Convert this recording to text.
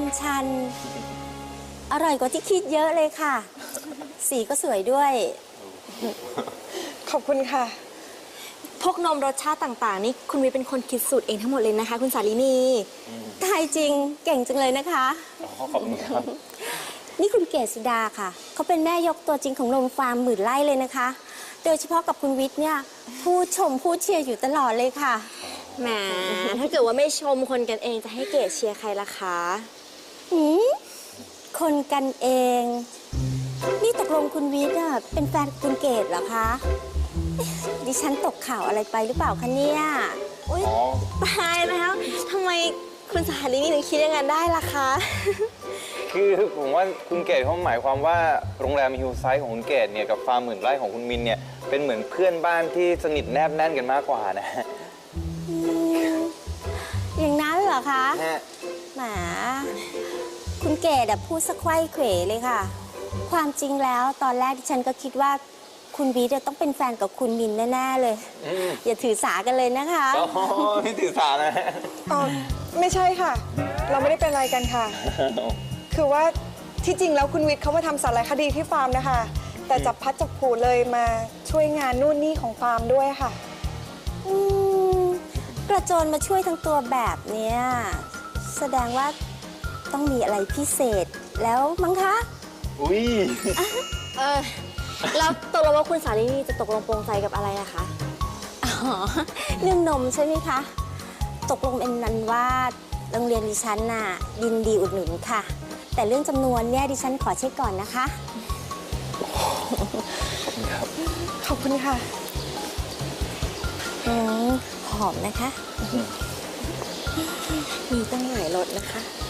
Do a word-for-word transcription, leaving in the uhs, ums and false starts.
ชันอร่อยกว่าที่คิดเยอะเลยค่ะ สีก็สวยด้วยขอบคุณค่ะพวกนมรสชาติต่างๆนี่คุณวิเป็นคนคิดสูตรเองทั้งหมดเลยนะคะคุณสาลินีตายจริงเก่งจังเลยนะคะขอบคุณครับนี่คุณเกศสุดาค่ะ เขาเป็นแม่ยกตัวจริงของนมฟาร์มหมื่นไร่เลยนะคะ โดยเฉพาะกับคุณวิทย์เนี่ยพูดชมพูดเชียร์อยู่ตลอดเลยค่ะแหม ถ้าเกิดว่าไม่ชมคนกันเองจะให้เกรดเชียร์ใครล่ะคะหืมคนกันเอง นี่ตกลงคุณวิทย์อะเป็นแฟนคุณเกศเหรอคะเอ๊ะดิฉันตกข่าวอะไรไปหรือเปล่าคะเนี่ยอุ๊ยอ๋อตายแล้วทำไมคุณสาลินีถึงคิดอย่างนั้นได้ล่ะคะคือผมว่าคุณเกดเขาหมายความว่าโรงแรมฮิลไซด์ของคุณเกดเนี่ยกับฟาร์มหมื่นไร่ของคุณมินเนี่ยเป็นเหมือนเพื่อนบ้านที่สนิทแนบแน่นกันมากกว่านะอืมอย่างนั้นเหรอคะฮะแหมคุณเกดอะพูดสะไขว้เขวเลยค่ะ ความจริงแล้วตอนแรกที่ฉันก็คิดว่าคุณวีจะต้องเป็นแฟนกับคุณมินแน่ๆเลยอืมอย่าถือสากันเลยนะคะอ๋อไม่ถือสานะอ๋อ ไม่ใช่ค่ะ เราไม่ได้เป็นอะไรกันค่ะ คือว่าที่จริงแล้วคุณวิทย์เขามาทำสารคดีที่ฟาร์มนะคะ แต่จับพัดจับผูเลยมาช่วยงานนู่นนี่ของฟาร์มด้วยค่ะอืมกระโจนมาช่วยทั้งตัวแบบเนี้ยแสดงว่าต้องมีอะไรพิเศษแล้วมั้งคะอุ้ยเออ แล้วตกลงว่าคุณสาลินีจะตกลงปรงใจกับอะไรนะคะอ๋อ เรื่องนมใช่ไหมคะ ตกลงเป็นนั้นว่าโรงเรียนดิฉันน่ะยินดีอุดหนุนค่ะ แต่เรื่องจำนวนเนี่ยดิฉันขอเช็คก่อนนะคะขอบคุณค่ะอืมหอมนะคะมีตั้งหลายรสนะคะ